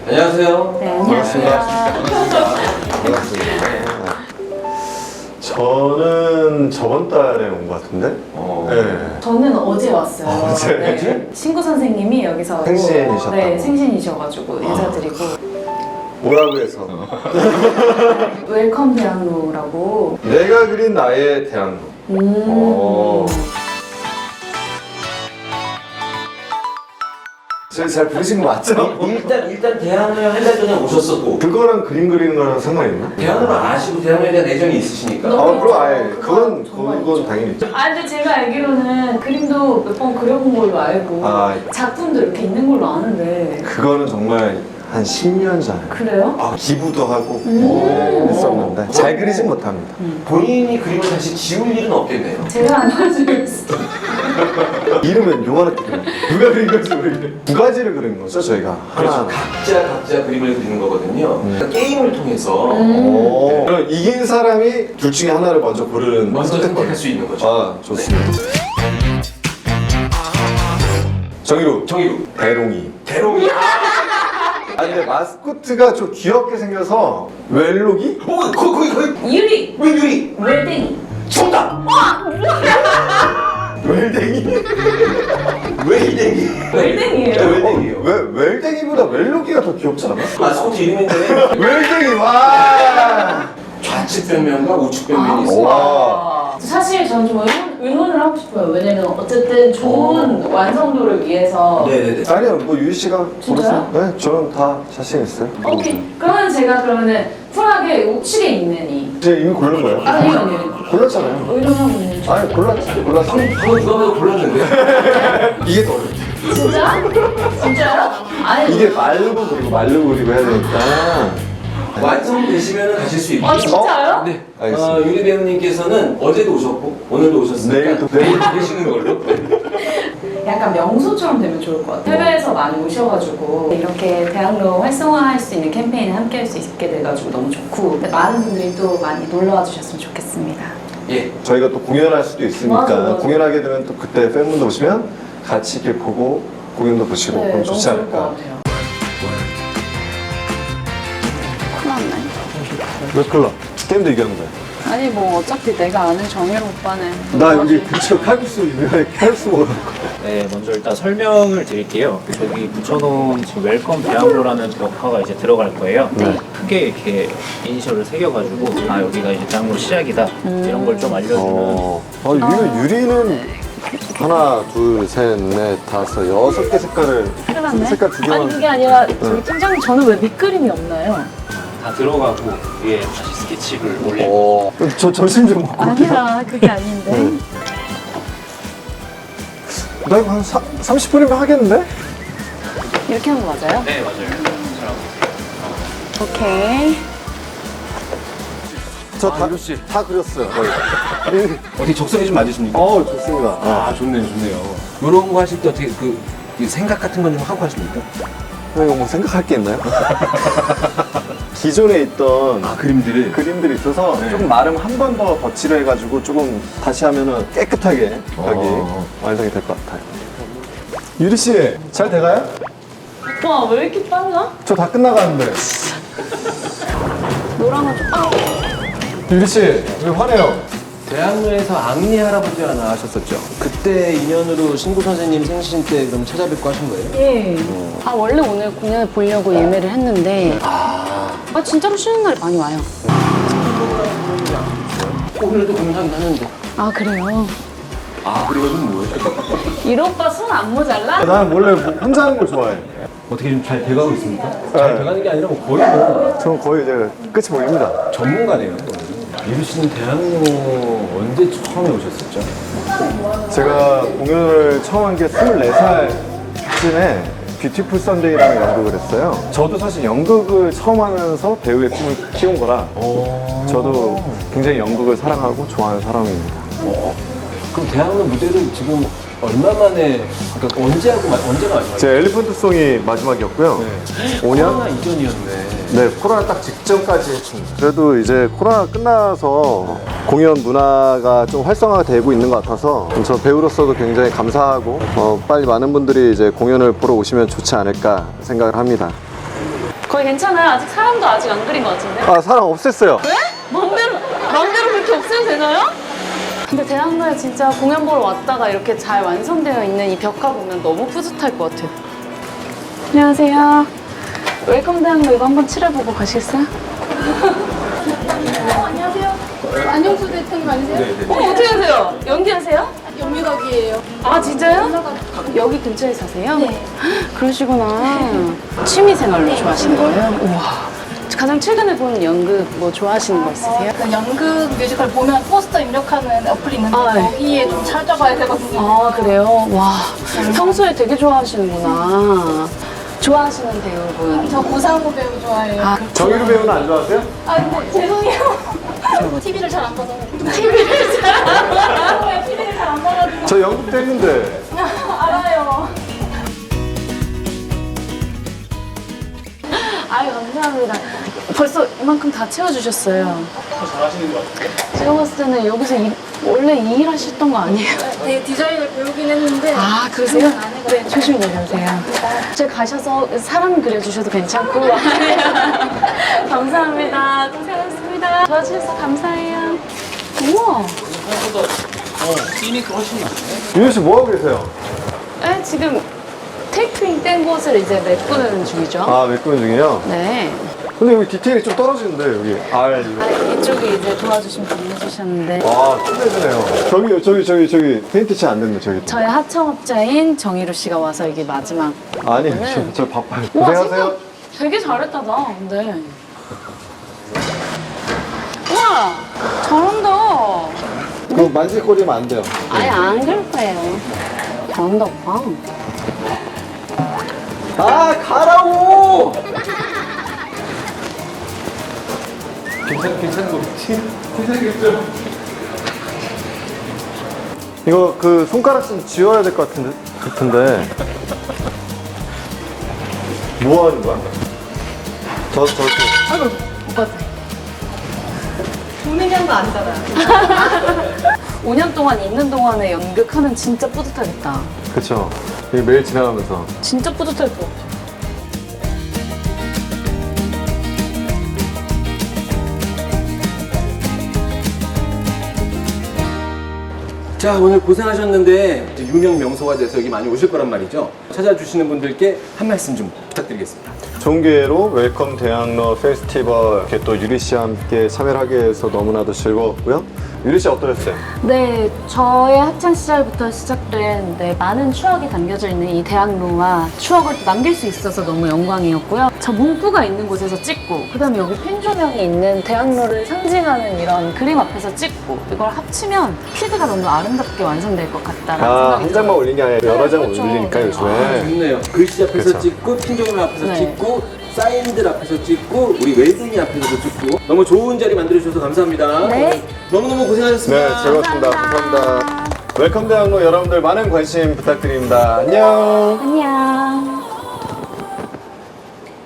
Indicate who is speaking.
Speaker 1: 안녕하세요.
Speaker 2: 네, 안녕하세요.
Speaker 3: 반갑습니다. 저는 저번 달에 온 것 같은데? 네.
Speaker 2: 저는 어제 왔어요.
Speaker 3: 어제?
Speaker 2: 네. 친구 선생님이 여기서
Speaker 3: 생신이셨다고.
Speaker 2: 네, 생신이셔가지고 인사드리고
Speaker 3: 뭐라고 해서?
Speaker 2: 웰컴 대학로라고.
Speaker 3: 내가 그린 나의 대학로. 저희 잘 부르신 거 맞죠?
Speaker 1: 일단 대학로에 한 달 전에 오셨었고
Speaker 3: 그거랑 그림 그리는 거랑 상관이 있나?
Speaker 1: 대학로를 아시고 대학로에 대한 애정이 있으시니까
Speaker 3: 그럼 아예 그건
Speaker 2: 정말
Speaker 3: 당연히 있죠.
Speaker 2: 아 근데 제가 알기로는 그림도 몇 번 그려본 걸로 알고 작품도 이렇게 있는 걸로 아는데.
Speaker 3: 그거는 정말 한 10년 전에
Speaker 2: 그래요?
Speaker 3: 기부도 하고 했었는데 잘 그리진 못합니다.
Speaker 1: 본인이 그림을 다시 지울 일은 없겠네요.
Speaker 2: 제가 안 봐주겠어.
Speaker 3: 이름은 요만하게 그린 거예요. 누가 그린 건지 모르겠네. 두 가지를 그린 거죠 저희가.
Speaker 1: 그렇죠.
Speaker 3: 하나.
Speaker 1: 각자 그림을 그리는 거거든요. 그러니까 게임을 통해서
Speaker 3: 그럼 이긴 사람이 둘 중에 하나를 먼저 고르는
Speaker 1: 먼저 선택할 수 있는 거죠.
Speaker 3: 아 좋습니다. 정의로 대롱이.
Speaker 1: 대롱이.
Speaker 3: 근데 마스코트가 좀 귀엽게 생겨서 웰록이?
Speaker 1: 거기
Speaker 2: 유리!
Speaker 1: 왜 유리?
Speaker 2: 웰댕이!
Speaker 1: 정답.
Speaker 3: 웰댕이?
Speaker 1: 웰댕이.
Speaker 2: 웰댕이에요.
Speaker 1: 웰댕이에요.
Speaker 3: 왜 웰댕이보다 웰록이가 더 귀엽지 않아?
Speaker 1: 마스코트 이름인데
Speaker 3: 웰댕이 와.
Speaker 1: 좌측 변면과 우측 변면이 있어요.
Speaker 3: 와.
Speaker 2: 사실 저는 좀 의논을 하고 싶어요. 왜냐면 어쨌든 좋은 완성도를 위해서.
Speaker 1: 네네네.
Speaker 3: 아니요 뭐 유희 씨가
Speaker 2: 진짜요?
Speaker 3: 고르세요. 네 저는 다 자신 있어요.
Speaker 2: 오케이. 그러면 제가 그러면은 쿨하게 우측에 있는 이.
Speaker 3: 이제 이미 고른 거예요?
Speaker 2: 아니요.
Speaker 3: 골랐잖아요.
Speaker 2: 의논하고 있는 중.
Speaker 3: 아니 골랐어.
Speaker 1: 방금 누가 봐도 골랐는데.
Speaker 3: 이게 더 어렵지.
Speaker 2: 진짜? 진짜요? 아니.
Speaker 3: 이게 말르고 그리고 해야 되니까.
Speaker 1: 완성되시면 가실 수 있고.
Speaker 2: 아 진짜요?
Speaker 1: 네.
Speaker 3: 알겠습니다.
Speaker 1: 유리 배우님께서는 어제도 오셨고 오늘도 오셨으니까
Speaker 3: 내일도
Speaker 1: 내일 계시는 걸로.
Speaker 2: 약간 명소처럼 되면 좋을 것 같아요. 해외에서 많이 오셔가지고 이렇게 대학로 활성화할 수 있는 캠페인에 함께 할 수 있게 돼가지고 너무 좋고 많은 분들이 또 많이 놀러와 주셨으면 좋겠습니다.
Speaker 1: 예.
Speaker 3: 저희가 또 공연할 수도 있으니까
Speaker 2: 맞아.
Speaker 3: 공연하게 되면 또 그때 팬분들 오시면 같이 이렇게 보고 공연도 보시고 그럼
Speaker 2: 너무
Speaker 3: 좋지
Speaker 2: 좋을 것
Speaker 3: 않을까.
Speaker 2: 같아요.
Speaker 3: 왜 클럽? 게임도 얘기하는 거야.
Speaker 4: 아니 뭐 어차피 내가 아는 정혜로 오빠는
Speaker 3: 나 여기 근처 칼국수 유명하게 칼국수 먹으러 갈 거야.
Speaker 5: 네, 먼저 일단 설명을 드릴게요. 저기 붙여놓은 지금 웰컴 대학로라는 벽화가 이제 들어갈 거예요. 크게 이렇게 이니셜을 새겨가지고 아 여기가 이제 대학로 시작이다 이런 걸 좀 알려주는.
Speaker 3: 이거 유리는 하나, 둘, 셋, 넷, 다섯, 6개 색깔을
Speaker 4: 큰일 났네.
Speaker 3: 색깔 두 개만.
Speaker 4: 아니 그게 아니라 저기 팀장님 저는 왜 밑그림이 없나요?
Speaker 5: 다 들어가고 위에 다시 스케치를 올리고.
Speaker 3: 저 점심 좀 먹고.
Speaker 4: 아니라 그게 아닌데
Speaker 3: 나 이거 한 30분이면 하겠는데?
Speaker 4: 이렇게 하는 거 맞아요?
Speaker 5: 네, 맞아요. 잘하고
Speaker 4: 오케이
Speaker 3: 저 다 그렸어요. 거의.
Speaker 1: 어떻게 적성이 좀 맞으십니까?
Speaker 3: 좋습니다.
Speaker 1: 아 좋네요. 이런 거 하실 때 어떻게 이 생각 같은 건 좀 하고 하십니까?
Speaker 3: 이거 뭐 생각할 게 있나요? 기존에 있던 그림들이 있어서 조금 나름 한 번 더 덧칠을 해가지고 조금 다시 하면은 깨끗하게 여기 완성이 될 것 같아요. 유리 씨, 잘 돼가요?
Speaker 4: 오빠 왜 이렇게 빨라?
Speaker 3: 저 다 끝나가는데.
Speaker 4: 노랑은 좀
Speaker 3: 유리 씨, 왜 화내요?
Speaker 1: 대학로에서 악리 할아버지가 나가셨었죠. 그때 인연으로 신구 선생님 생신 때 그럼 찾아뵙고 하신 거예요?
Speaker 4: 예. 아 원래 오늘 공연을 보려고 예매를 했는데 아 진짜로 쉬는 날이 많이 와요.
Speaker 1: 오늘도 공연하긴 하는데.
Speaker 4: 아 그래요?
Speaker 1: 아 그래가지고 뭐예요?
Speaker 4: 이 오빠 손 안 모자라?
Speaker 3: 나는 원래 혼자 하는 걸 좋아해.
Speaker 1: 어떻게 좀 잘 돼가고 있습니까?
Speaker 3: 잘
Speaker 1: 돼가는 게 아니라 뭐 거의 뭐
Speaker 3: 저는 거의 이제 끝이 보입니다.
Speaker 1: 전문가네요. 유리 씨는 대학로 언제 처음에 오셨었죠?
Speaker 3: 제가 공연을 처음 한 게 24살쯤에 뷰티풀 선데이라는 연극을 했어요. 저도 사실 연극을 처음 하면서 배우의 꿈을 키운 거라 저도 굉장히 연극을 사랑하고 좋아하는 사람입니다.
Speaker 1: 그럼 대학로 무대를 지금 얼마 만에, 그러니까 언제가 마지막이에요?
Speaker 3: 제 엘리펀트송이 마지막이었고요. 5년?
Speaker 1: 코로나 이전이었네.
Speaker 3: 네, 코로나 딱 직전까지 했습니다. 그래도 이제 코로나 끝나서 공연 문화가 좀 활성화가 되고 있는 것 같아서 저 배우로서도 굉장히 감사하고 빨리 많은 분들이 이제 공연을 보러 오시면 좋지 않을까 생각을 합니다.
Speaker 4: 거의 괜찮아요. 아직 사람도 아직 안 그린 것 같은데.
Speaker 3: 아, 사람 없앴어요.
Speaker 4: 왜? 마음대로 그렇게 없애도 되나요? 근데 대학로에 진짜 공연 보러 왔다가 이렇게 잘 완성되어 있는 이 벽화 보면 너무 뿌듯할 것 같아요. 안녕하세요. 웰컴 대학로 이거 한번 칠해보고 가시겠어요?
Speaker 6: 안녕하세요. 안영수 대통령 아니세요?
Speaker 4: 어떻게 하세요? 연기하세요?
Speaker 6: 연미덕이에요.
Speaker 4: 아 진짜요? 여기 근처에 사세요?
Speaker 6: 네.
Speaker 4: 그러시구나. 취미생활로 좋아하시는 거예요? 우와. 가장 최근에 본 연극 뭐 좋아하시는 거 있으세요?
Speaker 6: 그 연극 뮤지컬 보면 포스터 입력하는 어플이 있는데
Speaker 4: 아, 네.
Speaker 6: 거기에 좀 찾아봐야 되거든요.
Speaker 4: 아 그래요? 와 평소에 되게 좋아하시는구나. 좋아하시는 배우분.
Speaker 6: 저 고상우 배우 좋아해요.
Speaker 4: 아,
Speaker 3: 정유루 배우는 안 좋아하세요?
Speaker 6: 아, 근데 죄송해요. TV를 잘 안 봐서. TV를 잘 안 봐가지고.
Speaker 3: 저 연극도 했는데.
Speaker 6: 알아요.
Speaker 4: 아유 감사합니다. 벌써 이만큼 다 채워주셨어요.
Speaker 5: 잘하시는 것 같아요.
Speaker 4: 제가 봤을 때는 여기서 원래 이 일 하셨던 거 아니에요?
Speaker 6: 되게 디자인을 배우긴 했는데.
Speaker 4: 아 그러세요? 네 조심히 내려오세요. 저기 가셔서 사람 그려주셔도 괜찮고. 감사합니다. 고생하셨습니다. 도와주셔서 감사해요. 우와.
Speaker 5: 씬이 훨씬 많네.
Speaker 3: 유현 씨 뭐 하고 계세요?
Speaker 4: 네, 지금 테이핑 뗀 곳을 이제 메꾸는 중이죠.
Speaker 3: 아, 메꾸는 중이에요?
Speaker 4: 네.
Speaker 3: 근데 여기 디테일이 좀 떨어지는데, 여기.
Speaker 4: 아, 이쪽에 이제 도와주신 분이 해주셨는데.
Speaker 3: 와, 끝내주네요. 저기, 페인트 안 됐네, 저기.
Speaker 4: 저희 하청업자인 정희루 씨가 와서 이게 마지막.
Speaker 3: 아니, 저 바빠요.
Speaker 4: 우와,
Speaker 3: 고생하세요.
Speaker 4: 생각 되게 잘했다, 나, 근데. 우와, 잘한다.
Speaker 3: 그거 만질거리면 안 돼요.
Speaker 4: 아예 안 그럴 거예요. 잘한다, 오빠.
Speaker 1: 아, 가라고! 괜찮은 거겠지? 괜찮겠죠?
Speaker 3: 이거 그 손가락 좀 지워야 될 것 같은데. 뭐 하는 거야?
Speaker 4: 아이고, 오빠.
Speaker 6: 돈 얘기한 거 아니잖아요.
Speaker 4: 5년 동안 있는 동안에 연극하면 진짜 뿌듯하겠다.
Speaker 3: 그쵸. 이게 매일 지나가면서.
Speaker 4: 진짜 뿌듯할 것 같아.
Speaker 1: 자, 오늘 고생하셨는데 유명 명소가 돼서 여기 많이 오실 거란 말이죠. 찾아주시는 분들께 한 말씀 좀 부탁드리겠습니다.
Speaker 3: 좋은 기회로 웰컴 대학로 페스티벌 이렇게 또 유리 씨와 함께 참여를 하게 해서 너무나도 즐거웠고요. 유리 씨 어떠셨어요?
Speaker 4: 네, 저의 학창 시절부터 시작된 많은 추억이 담겨져 있는 이 대학로와 추억을 또 남길 수 있어서 너무 영광이었고요. 저 문구가 있는 곳에서 찍고, 그다음에 여기 펜 조명이 있는 대학로를 상징하는 이런 그림 앞에서 찍고, 이걸 합치면 필드가 너무 아름답게 완성될 것 같다라는 생각이
Speaker 3: 한 장만 올린 게 아니라 여러 장
Speaker 4: 그렇죠.
Speaker 3: 올리니까
Speaker 4: 네.
Speaker 3: 요즘에.
Speaker 1: 좋네요. 글씨 앞에서
Speaker 3: 그쵸.
Speaker 1: 찍고, 핀조명 앞에서
Speaker 4: 네.
Speaker 1: 찍고, 사인들 앞에서 찍고, 우리 외국인 앞에서도 찍고. 너무 좋은 자리 만들어주셔서 감사합니다.
Speaker 4: 네.
Speaker 1: 너무너무 고생하셨습니다.
Speaker 3: 네, 즐거웠습니다. 감사합니다. 웰컴 대학로 여러분들 많은 관심 부탁드립니다. 안녕.
Speaker 4: 안녕.